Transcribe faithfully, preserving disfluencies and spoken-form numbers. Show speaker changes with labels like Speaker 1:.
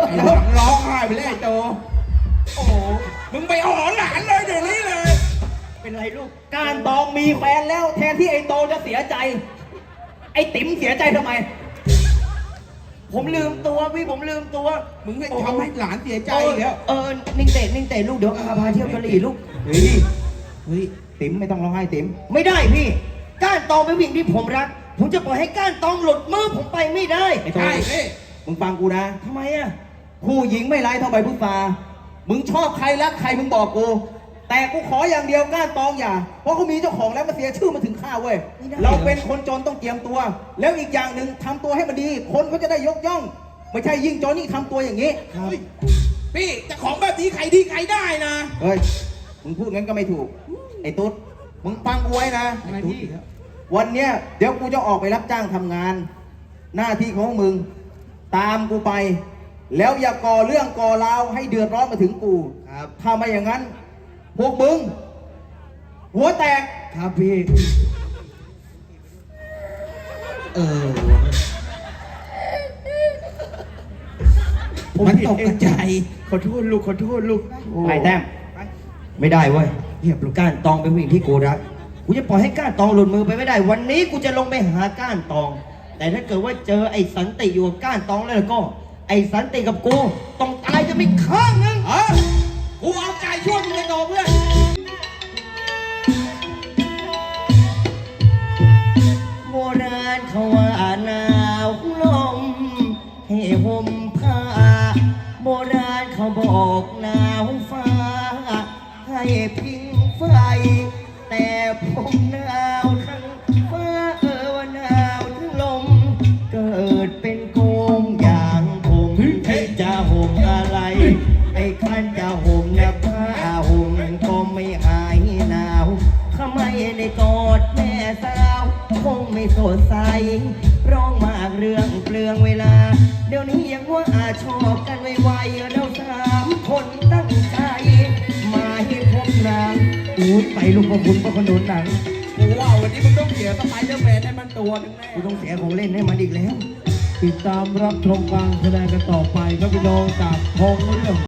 Speaker 1: ไอ้หลังร้องไห้ไปเลยไอ้โตโอ้โหมึงไปหอนหลานเลยเดี๋ยวนี้เลย
Speaker 2: เป็นไรลูกการตองมีแฟนแล้วแทนที่ไอ้โตจะเสียใจไอ้ติ๋มเสียใจทำไมผมลืมตัวพี่ผมลืมตัว
Speaker 1: มึงให้ทำให้หลานเสียใจแล้ว
Speaker 2: เออนิ่งเตะนิ่งเตะลูกเดี๋ยวพาพาเที่ยวกะหรี่ลูกเฮ้ยเฮ้ยติ๋มไม่ต้องร้องไห้ติ๋มไม่ได้พี่ก้านตองเป็นผู้หญิงที่ผมรักผมจะปล่อยให้ก้านตองหลุดมือผมไปไม่ได้ไอ้โตมึงฟังกูนะทำไมอ่ะผู้หญิงไม่ร้ายเท่าใบพุทรามึงชอบใครรักใครมึงบอกกูแต่กูขออย่างเดียวก้านตองอย่าเพราะเขามีเจ้าของแล้วมาเสียชื่อมาถึงข้าเว้ยเราเป็นคนจนต้องเตรียมตัวแล้วอีกอย่างหนึ่งทำตัวให้มันดีคนเขาจะได้ยกย่องไม่ใช่ยิ่งจนนี่ทำตัวอย่างนี้
Speaker 1: พี่จะของแบบนี้ใครดีใครได้นะ
Speaker 2: เฮ้ยมึงพูดงั้นก็ไม่ถูกไอ้ตุ๊ดมึงฟังกูไว้นะวันเนี้ยเดี๋ยวกูจะออกไปรับจ้างทำงานหน้าที่ของมึงตามกูไปแล้วอย่าก่อเรื่องก่อราวให้เดือดร้อนมาถึงกูครับถ้าไม่อย่างนั้นพวกมึงหัวแตกครับพี่เออ
Speaker 1: มันตกใจ
Speaker 2: ขอโทษลูกขอโทษลูกไปแต้มไม่ได้เว้ยเรียบลูกก้านตองเป็นผู้หญิงที่กูรักกูจะปล่อยให้ก้านตองหลุดมือไปไม่ได้วันนี้กูจะลงไปหาก้านตองแต่ถ้าเกิดว่าเจอไอ้สันติอยู่กับก้านตองแล้วก็ไอ้สันติกับกูต้องตายจะไม่ข้างนึง
Speaker 1: เออกูเอาใจช่วยมึงเลยโตเพื่อน
Speaker 2: โบราณเขาว่าหนาวลมให้ห่มผ้าโบราณเขาบอกหนาวฟ้าให้พิงไฟแต่ผมหนาวทั้งฟ้าเออว่าหนาวทั้งลมเกิดเป็นโกงอย่างผมที่จะห่มอะไรไอ้คันจะห่มนะผ้าห่มก็ไม่หายหนาวทำไมได้กอดแม่สาวคงไม่สดใสร้องมากเรื่องเปลืองเวลาเดี๋ยวนี้ยังว่าอาชอบกันไวๆเราสามคนตั้งใจมาให้พบนางอุ้ยไปลูกพ่อคุณพ่อขนุนหนัง
Speaker 1: กูว่าวันนี้มึงต้องเสียสไปเดอร์แมนให้มันตัวนึงแน่
Speaker 2: กูต้องเสียของเล่นให้มันอีกแล้ว
Speaker 3: ติดตามรับชมการแสดงกันต่อไปครับพี่น้องจากทองเรื่อง